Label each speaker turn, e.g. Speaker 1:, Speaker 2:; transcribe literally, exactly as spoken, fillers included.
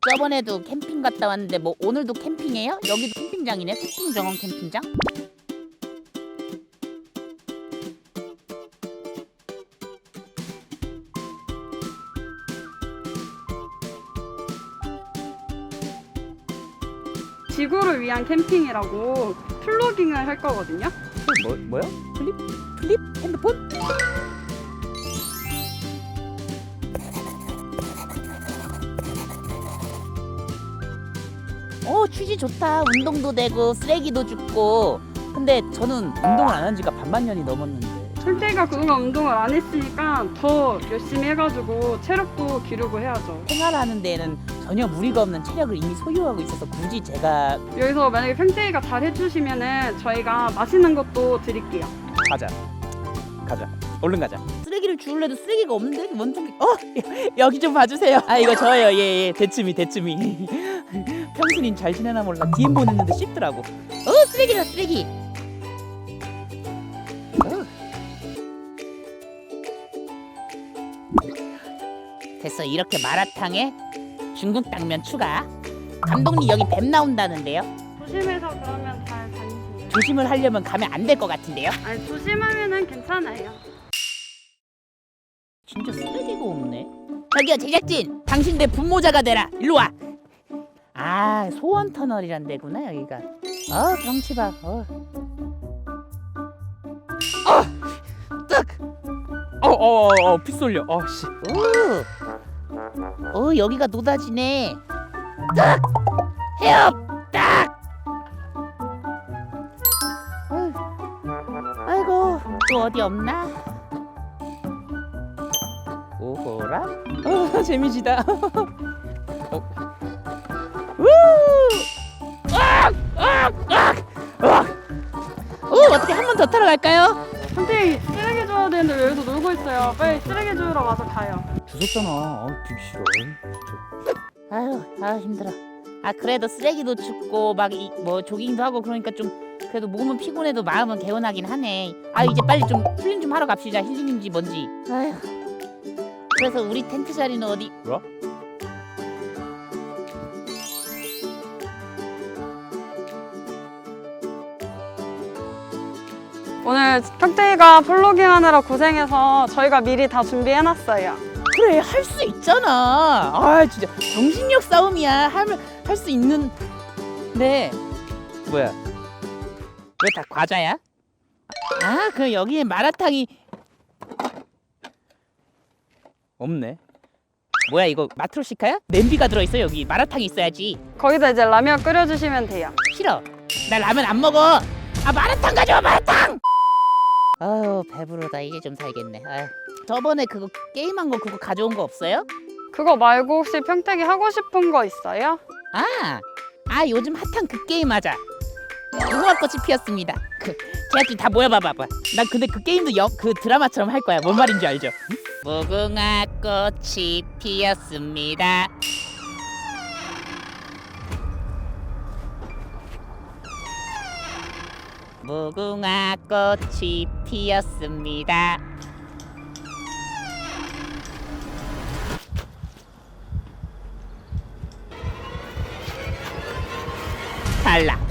Speaker 1: 저번에도 캠핑 갔다 왔는데 뭐 오늘도 캠핑해요? 여기도 캠핑장이네. 소풍정원 캠핑장.
Speaker 2: 지구를 위한 캠핑이라고 플로깅을 할 거거든요.
Speaker 1: 뭐 뭐요? 플립 플립 핸드폰? 어 취지 좋다. 운동도 되고 쓰레기도 줍고. 근데 저는 운동을 안 한 지가 반만 년이 넘었는데.
Speaker 2: 평택이가 그동안 운동을 안 했으니까 더 열심히 해가지고 체력도 기르고 해야죠.
Speaker 1: 생활하는 데에는 전혀 무리가 없는 체력을 이미 소유하고 있어서 굳이 제가
Speaker 2: 여기서 만약에 평택이가 잘 해주시면은 저희가 맛있는 것도 드릴게요.
Speaker 1: 가자 가자 얼른 가자. 쓰레기를 주울래도 쓰레기가 없는데 뭔 소리? 어 여기 좀 봐주세요. 아 이거 저예요. 예예 대츠미 대츠미. 평순인 잘 지내나 몰라 디엠 보냈는데 씹더라고. 어 쓰레기다 쓰레기. 어. 됐어. 이렇게 마라탕에 중국 당면 추가. 감독님 여기 뱀 나온다는데요.
Speaker 2: 조심해서 그러면 잘 다니세요.
Speaker 1: 조심을 하려면 가면 안 될 것 같은데요.
Speaker 2: 아니 조심하면은 괜찮아요.
Speaker 1: 진짜 쓰레기가 없네. 저기요 제작진, 당신 내 분모자가 되라. 일로 와. 아 소원 터널이란 데구나 여기가. 어 경치 봐. 어. 어, 딱. 어어어 어, 어, 피 쏠려. 어 씨. 오. 어 여기가 노다지네. 딱. 헤엄. 딱. 어휴. 아이고 또 어디 없나? 오호라? 어 재미지다. 어. 우! 으악! 으악! 으악! 으악! 어, 어떻게 한 번 더 타러 갈까요?
Speaker 2: 평택이 쓰레기 줘야 되는데 왜 여기서 놀고 있어요? 빨리 쓰레기 주우러 와서 가요.
Speaker 1: 주웠잖아. 아, 되게 싫어. 진짜. 아유, 아 힘들어. 아 그래도 쓰레기도 줍고 막 뭐 조깅도 하고 그러니까 좀 그래도 몸은 피곤해도 마음은 개운하긴 하네. 아 이제 빨리 좀 힐링 좀 하러 갑시다. 힐링인지 뭔지. 아휴. 그래서 우리 텐트 자리는 어디? 뭐?
Speaker 2: 오늘 평택이가 플로깅 하느라 고생해서 저희가 미리 다 준비해놨어요.
Speaker 1: 그래 할 수 있잖아. 아 진짜 정신력 싸움이야. 하면 할 수 있는. 네. 뭐야? 왜 다 과자야? 아 그 여기에 마라탕이 없네. 뭐야 이거 마트로시카야? 냄비가 들어있어 여기. 마라탕이 있어야지.
Speaker 2: 거기다 이제 라면 끓여주시면 돼요.
Speaker 1: 싫어. 나 라면 안 먹어. 아 마라탕 가져와 마라탕. 아유 배부르다. 이제 좀 살겠네. 아유. 저번에 그거 게임한 거 그거 가져온 거 없어요?
Speaker 2: 그거 말고 혹시 평택이 하고 싶은 거 있어요?
Speaker 1: 아, 아 요즘 핫한 그 게임 하자. 무궁화꽃이 피었습니다. 그 제작진 다 모여봐봐봐. 난 근데 그 게임도 여, 그 드라마처럼 할 거야. 뭔 말인지 알죠? 응? 무궁화꽃이 피었습니다. 무궁화꽃이 피었습니다. 탈락.